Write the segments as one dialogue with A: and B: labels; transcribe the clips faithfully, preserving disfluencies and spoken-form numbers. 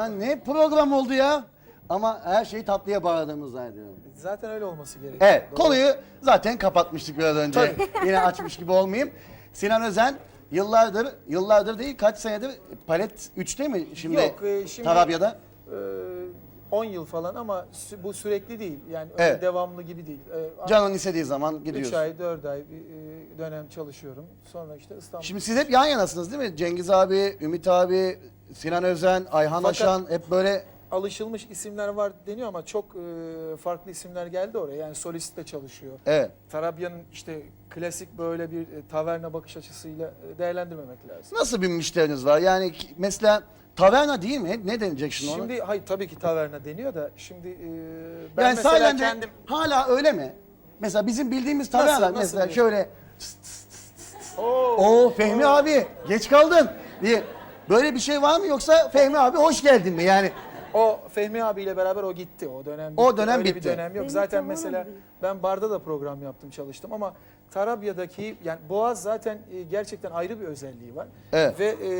A: Ulan ne program oldu ya? Ama her şeyi tatlıya bağladığımız zannediyorum.
B: Zaten öyle olması gerekiyor.
A: Evet,
B: Doğru.
A: konuyu zaten kapatmıştık biraz önce. Yine açmış gibi olmayayım. Sinan Özen yıllardır, yıllardır değil kaç senedir Palet üçte mi şimdi?
B: Yok, e, şimdi-
A: Tarabya'da.
B: on yıl falan ama sü- bu sürekli değil. Yani öyle
A: Evet.
B: devamlı gibi değil. Ee,
A: Canın istediği zaman
B: üç
A: gidiyorsun.
B: ay, dört ay bir e, dönem çalışıyorum. Sonra işte İstanbul.
A: Şimdi siz hep yan yanasınız değil mi? Cengiz abi, Ümit abi, Sinan Özen, Ayhan
B: Fakat-
A: Aşan hep böyle...
B: Alışılmış isimler var deniyor ama çok e, farklı isimler geldi oraya. Yani solist de çalışıyor.
A: Evet.
B: Tarabya'nın işte klasik böyle bir e, taverna bakış açısıyla e, değerlendirmemek lazım.
A: Nasıl bir müşteriniz var? Yani ki- mesela taverna değil mi? Ne denecek şimdi ona?
B: Şimdi hayır tabii ki taverna deniyor da şimdi e, ben
A: Yani
B: mesela
A: sahiden de
B: kendim
A: hala öyle mi? Mesela bizim bildiğimiz taverna
B: Nasıl, nasıl
A: mesela
B: bir-
A: şöyle...
B: Oo,
A: Oo Fehmi abi geç kaldın diye. Böyle bir şey var mı yoksa Fehmi abi hoş geldin mi? Yani
B: o Fehmi abiyle beraber o gitti. O dönem bitti.
A: O dönem
B: Öyle
A: bitti.
B: bir dönem yok.
C: Benim
B: Zaten
C: tavuğum
B: mesela
C: değil.
B: ben barda da program yaptım, çalıştım ama Tarabya'daki yani Boğaz zaten e, gerçekten ayrı bir özelliği var.
A: Evet.
B: Ve e,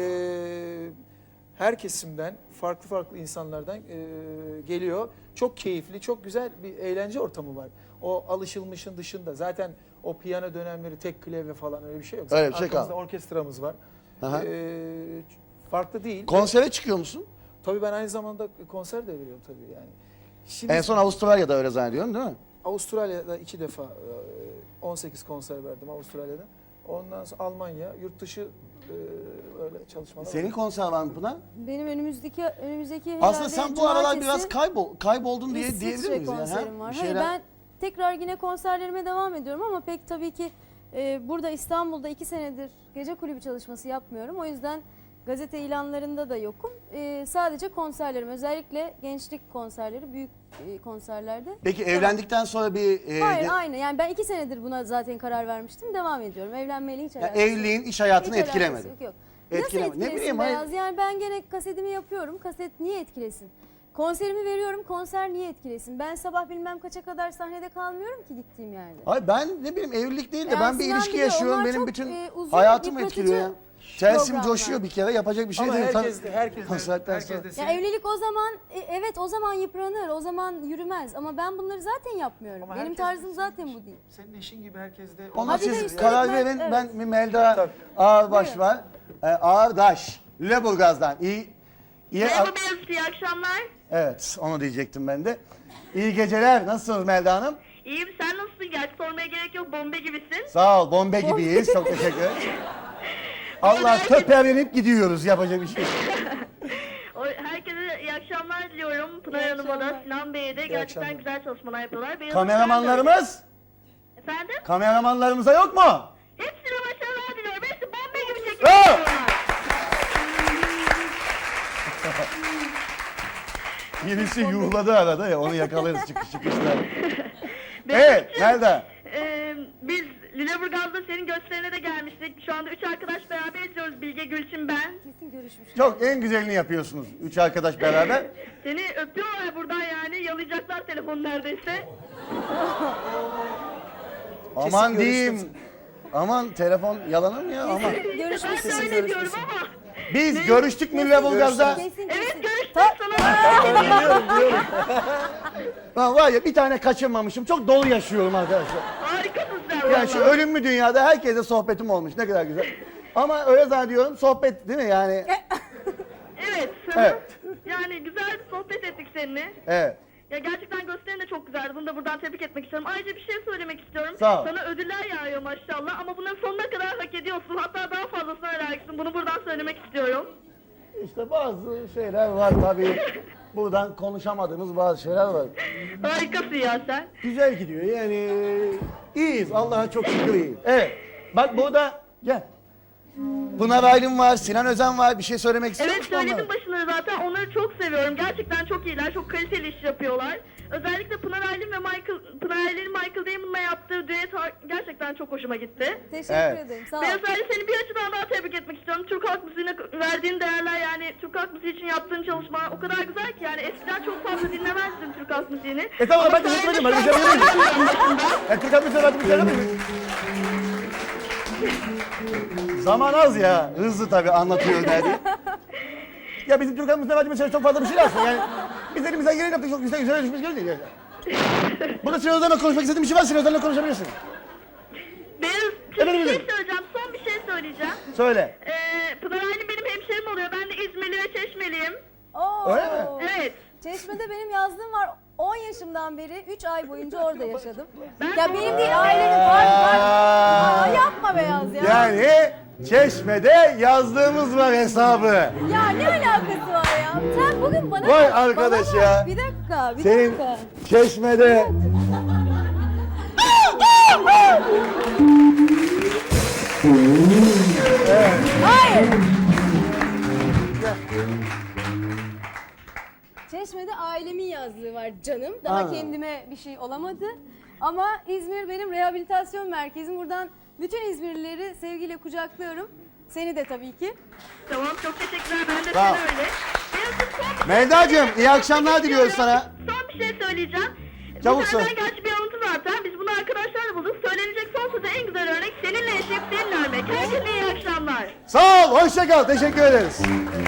B: her kesimden farklı farklı insanlardan e, geliyor. Çok keyifli, çok güzel bir eğlence ortamı var. O alışılmışın dışında zaten o piyano dönemleri, tek klavye falan öyle bir şey yok.
A: Öyle
B: Zaten
A: bir şey
B: arkamızda
A: kalmadı.
B: orkestramız var.
A: Aha.
B: E, farklı değil.
A: konsere çıkıyor musun?
B: Tabii ben aynı zamanda konser de veriyorum tabii yani. Şimdi
A: En son Avustralya'da öyle zannediyorum değil mi?
B: Avustralya'da iki defa e, on sekiz konser verdim Avustralya'da. Ondan sonra Almanya, yurt dışı e, öyle çalışmalar.
A: Senin
B: var.
A: konser var mı Pınar?
C: Benim önümüzdeki önümüzdeki
A: Aslında
C: herhalde
A: sen bu aralar
C: cumartesi
A: biraz kaybol, kayboldun diye
C: İsviçre
A: diyebilir miyiz? Yani,
C: konserim
A: ha?
C: var.
A: Bir
C: Hayır,
A: şeyler-
C: ben tekrar yine konserlerime devam ediyorum ama pek tabii ki e, burada İstanbul'da iki senedir gece kulübü çalışması yapmıyorum. O yüzden gazete ilanlarında da yokum. E, sadece konserlerim, özellikle gençlik konserleri, büyük e, konserlerde.
A: Peki
C: Devam.
A: evlendikten sonra bir... e,
C: Hayır,
A: de-
C: aynı. Yani ben iki senedir buna zaten karar vermiştim. Devam ediyorum. Evlenmeyle hiç
A: yani
C: alakası yok.
A: evliliğin iş hayatını
C: Hiç alakası
A: etkilemedi.
C: Yok, yok.
A: Etkileme-
C: Nasıl
A: ne
C: etkilesin
A: bileyim, hayır.
C: Beyaz? Yani ben gene kasetimi yapıyorum. Kaset niye etkilesin? Konserimi veriyorum. Konser niye etkilesin? Ben sabah bilmem kaça kadar sahnede kalmıyorum ki gittiğim yerde.
A: Hayır ben ne bileyim evlilik değil de
C: Yani
A: ben bir
C: Sinan
A: ilişki
C: biliyor,
A: yaşıyorum.
C: onlar
A: Benim
C: çok,
A: bütün
C: e, uzun,
A: hayatımı
C: yıpratıcı
A: etkiliyor ya. Telsim
C: programlar.
A: coşuyor bir kere yapacak bir şey
B: Ama
A: değil.
B: herkes de, herkes de,
A: Konsertten
B: herkes
A: sonra.
B: de
C: Ya
B: senin-
C: evlilik o zaman e, evet o zaman yıpranır. O zaman yürümez. Ama ben bunları zaten yapmıyorum.
B: Ama
C: Benim
B: herkes-
C: tarzım zaten bu değil.
B: Senin eşin gibi herkes de...
A: Ona
C: Hadi de
A: siz
C: üstelik
A: karar
C: ben-
A: verin.
C: evet.
A: Ben bir Melda
B: Tabii.
A: Ağırbaş
C: Buyurun.
A: var. Ee, Ağırdaş. Lüleburgaz'dan. İyi, iyi
D: Merhaba Beyazıt, iyi akşamlar.
A: Evet onu diyecektim ben de. İyi geceler. Nasılsınız Melda Hanım?
D: İyiyim, sen nasılsın? Gerçi sormaya gerek yok, bombe gibisin.
A: Sağ ol. Bombe gibiyiz. Çok teşekkür ederim. Allah töperlenip gidiyoruz. Yapacak bir şey yok.
D: O, herkese iyi akşamlar diliyorum. Pınar
C: İyi
D: Hanım'a da,
C: akşamlar.
D: Sinan Bey'e de
B: İyi
D: gerçekten
B: akşamlar.
D: güzel çalışmalar yapıyorlar. Beyazıt
A: Kameramanlarımız?
D: sen de- Efendim?
A: Kameramanlarımıza yok mu?
D: Hepsine başarılar diliyorum. Hepsi bombe gibi çekiyor.
A: Bravo. Birisi yuhladı arada ya onu yakalarız çıkış çıkışta. Evet Melda.
D: Ee, biz Lüleburgaz'da senin gösterine de gelmiştik. Şu anda üç arkadaş beraber izliyoruz. Bilge, Gülçin, ben.
C: Kesin görüşmüş.
A: Çok en güzelini yapıyorsunuz. Üç arkadaş beraber.
D: Seni öpüyorlar buradan yani. Yalayacaklar telefonu neredeyse.
A: Aman
B: görüştüm.
A: diyeyim. Aman telefon yalanır mı ya? Aman.
D: Ben
C: Görüşmüşsün.
D: de öyle diyorum ama.
A: Biz görüştük mü Lüleburgaz'da?
C: Kesin kesin.
D: Evet, görüştük sana.
A: Biliyorum biliyorum. Ben var ya bir tane kaçırmamışım. Çok dolu yaşıyorum arkadaşlar.
D: Harikasın sen.
A: Yani şu
D: vallahi.
A: ölümlü dünyada herkese sohbetim olmuş. Ne kadar güzel. Ama öyle zannediyorum sohbet değil mi yani?
D: Evet.
A: Evet.
D: Yani güzel bir sohbet ettik seninle.
A: Evet.
D: Ya gerçekten gösterin de çok güzeldi. Bunu da buradan tebrik etmek istiyorum. Ayrıca bir şey söylemek istiyorum.
A: Sağ ol.
D: Sana ödüller yağıyor maşallah ama bunların sonuna kadar hak ediyorsun. Hatta daha fazlasına layıksın. Bunu buradan söylemek istiyorum.
A: İşte bazı şeyler var tabii. Buradan konuşamadığımız bazı şeyler var.
D: Harikasın ya sen.
A: Güzel gidiyor yani. İyiyiz. Allah'a çok şükür iyiyiz. Evet. Bak burada gel. Pınar Aylin var, Sinan Özen var. Bir şey söylemek istiyor
D: Evet,
A: musun onlara?
D: söyledim başında zaten. Onları çok seviyorum. Gerçekten çok iyiler. Çok kaliteli iş yapıyorlar. Özellikle Pınar Aylin ve Michael, Pınar Aylin'in Michael Damon'la yaptığı düet har- gerçekten çok hoşuma gitti.
C: Teşekkür
A: Evet.
C: ederim. Sağ ol.
D: Beyaz Ali, seni bir açıdan daha tebrik etmek istiyorum. Türk halk müziğine verdiğin değerler, yani Türk halk müziği için yaptığın çalışma o kadar güzel ki, yani eskiden çok fazla dinlemezdim Türk halk müziğini.
A: E tamam
D: Ama
A: ben de
D: sayende
A: unutmadım. Hadi
D: şu an
A: güzel değil mi?
D: başında.
A: Ya Türk Halk Müziği hadi bir şey yapayım mı? Zaman az ya. Hızlı tabii anlatıyor derdi. Ya bizim Türk halkımızda bence mesela çok fazla bir şey aslında yani. Biz elimizden geleni yaptık, çok güzel güzel düşmüş değil yani. Burada Sinan Özen'le konuşmak istediğim bir şey var, Sinan Özen'le konuşabilirsin.
D: Beyaz,
A: Efendim,
D: bir şey
A: efendim.
D: söyleyeceğim. Son bir şey söyleyeceğim.
A: Söyle.
D: Ee, Pınar Aylin benim hemşerim oluyor. Ben de İzmirli ve Çeşmeliyim.
C: Oo.
A: Öyle mi?
D: Evet.
C: Çeşme'de benim yazlığım var. on yaşımdan beri üç ay boyunca orada yaşadım.
D: Ben
C: Ya benim değil ailenin var var. Aa, yapma Beyaz ya.
A: Yani Çeşme'de yazdığımız var hesabı.
C: Ya ne alakası var ya? Sen bugün bana
A: Vay
C: bak,
A: arkadaş
C: bana bak.
A: ya.
C: Bir dakika, bir
A: Senin
C: dakika.
A: Çeşme'de...
C: Hayır. Çeşme'de ailemin yazlığı var canım. Daha
A: Aa.
C: kendime bir şey olamadı. Ama İzmir benim rehabilitasyon merkezim. Buradan bütün İzmirlileri sevgiyle kucaklıyorum. Seni de tabii ki.
D: Tamam, çok teşekkürler. Ben de
A: Sağ ol.
D: seni öyle. Beyaz'cığım, son bir şey
A: Melda'cığım
D: söyleyeceğim.
A: iyi akşamlar diliyoruz sana.
D: Son bir şey söyleyeceğim.
A: Çabuk
D: Bu
A: söyle.
D: senden gerçi bir alıntı zaten. Biz bunu arkadaşlarla bulduk. Söylenecek son sözü en güzel örnek seninle yaşayıp seninle ölmek. Herkese iyi akşamlar.
A: Sağ ol, hoşça kal. Teşekkür ederiz.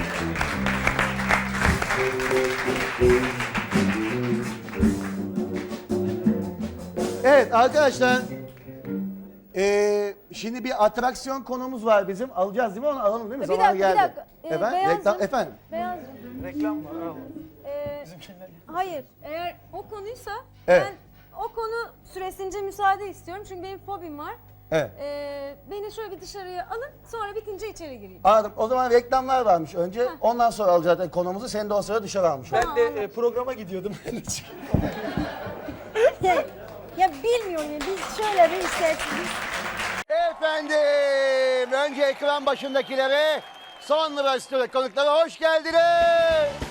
A: Evet arkadaşlar. Ee, şimdi bir atraksiyon konumuz var bizim. Alacağız değil mi onu? Alalım değil mi?
C: Bir
A: Zamanı
C: dakika, bir
A: geldi.
C: dakika. Ee,
A: efendim?
C: Beyazcığım.
A: Reklam, efendim?
C: Beyazcığım.
B: Reklam var. al.
C: Ee,
B: Bizimkiler.
C: hayır, eğer o konuysa
A: Evet.
C: ben o konu süresince müsaade istiyorum. Çünkü benim fobim var.
A: Evet.
C: Ee, beni şöyle bir dışarıya alın, sonra bitince içeri gireyim.
A: Anladım. O zaman reklamlar varmış önce. Ondan sonra alacağız zaten konumuzu. Seni de o sırada dışarı almış.
B: Ben de e, programa gidiyordum.
C: ya, ya bilmiyorum ya, biz şöyle bir işte...
A: Efendim, önce ekran başındakilere, sonra stüdyo konuklara hoş geldiniz.